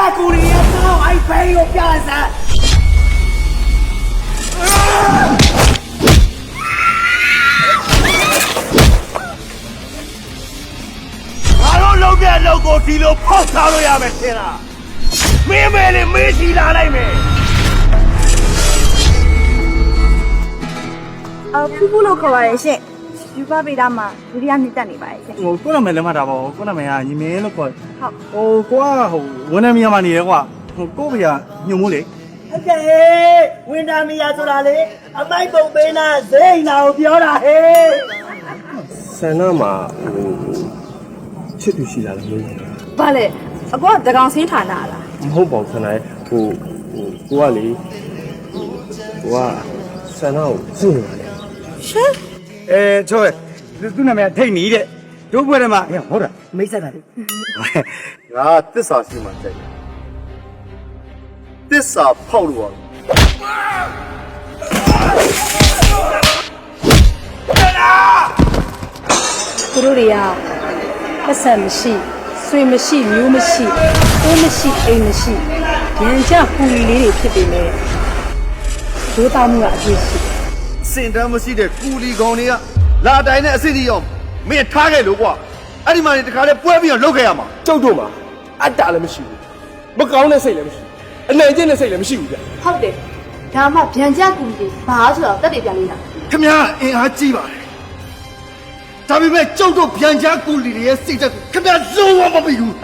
ကူရီရဲ့တော့အိုက်ဖေးကိုပြစမ်းငါတို့လုံးတဲ့လုံးကိုဒီလိုဖောက်ထားလို့ရမယ်ထင်လားမင်းမဲလေးမေးစီလာလိုက်မယ်ဖူးဖူးလို့ခေါ်ပါရဲ့ရှင်ယူပါပေတာမှာဒုတိယနှစ်တက်နေပါရဲ့ရှင်ဟိုကိုနာမည်လည်းမှတ်တာပေါ့ကိုနာမည်ကညီမင်းလို့ခေါ်ဟုတ်ဟိုကိုကဟိုဝန်ထမ်းမြန်မာနေတယ်ကွာဟိုကိုဖေကညုံမိုးလေဟုတ်ကဲ့ဝင်းတာမီယာဆိုတာလေအမိုက်ပုံပေးနာဇိန်းနာကိုပြောတာဟဲ့ဆန္ဒမှာချစ်သူရှိလာတယ်လို့ဘာလဲအကောတကောင်စင်းဌာနလားမဟုတ်ပါဘူးဆန္ဒရဲ့ဟိုကိုကလေကိုကဆန္ဒကိုစုနေပါတယ်ရှင်ချောသူနာမည်ထိတ်နေတဲ့တို့ဘွဲ့ထဲမှာဟုတ်တာမိတ်ဆက်တာလေငါသစ္စာရှိမှကြိုက်တယ်သစ္စာဖောက်လို့ရသူတို့တွေကပတ်စံမရှိဆွေမရှိမျိုးမရှိတိုးမရှိအိမ်မရှိရန်ကြပူရီလေးတွေဖြစ်ပေမဲ့ဒိုးသားမှုကအပြည့်ရှိစင်တမ်းမရှိတဲ့ကူလီကောင်တွေကလာတိုင်းနဲ့အစစ်အစီအောင်မင်းထားခဲ့လို့ကွာအဲ့ဒီမှာနေတခါလဲပွဲပြီးတော့လုတ်ခဲ့ရမှာကျုပ်တို့မှာအတ္တလည်းမရှိဘူးမကောင်းတဲ့စိတ်လည်းမရှိဘူးအနိုင်ကျင့်တဲ့စိတ်လည်းမရှိဘူးဗျဟုတ်တယ်ဒါမှဗျံကြကူတွေဘာဆိုတော့တက်တယ်ပြန်လေးလားခင်ဗျားအင်အားကြီးပါတယ်ဒါပေမဲ့ကျုပ်တို့ဗျံကြားကူလီတွေရဲ့စိတ်ဓာတ်ကိုခင်ဗျားလုံးဝမပြီးဘူး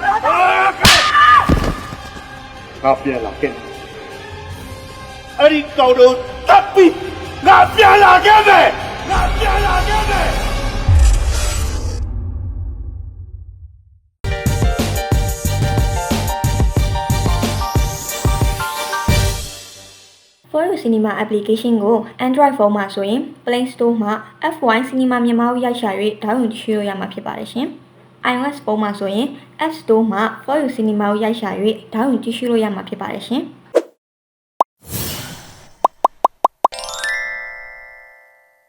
ငါပြန်လာခဲ့အဲ့ဒီကောင်တို့တပ်ပြီးငါပြန်လာခဲ့မယ်ငါပြန်လာခဲ့မယ် For You Cinema application ကို Android phone မှာဆိုရင် Play Store မှာ F1 Cinema မြန်မာကိုရိုက်ရှာ၍ဒေါင်းလုဒ်ချိုးလို့ရမှာဖြစ်ပါတယ်ရှင်။ iOS ဖုန်းမှာဆိုရင် App Store မှာ For You Cinema ကိုရိုက်ရှာ၍ဒေါင်းလုဒ်ကြည့်ရှုလို့ရမှာဖြစ်ပါတယ်ရှင်။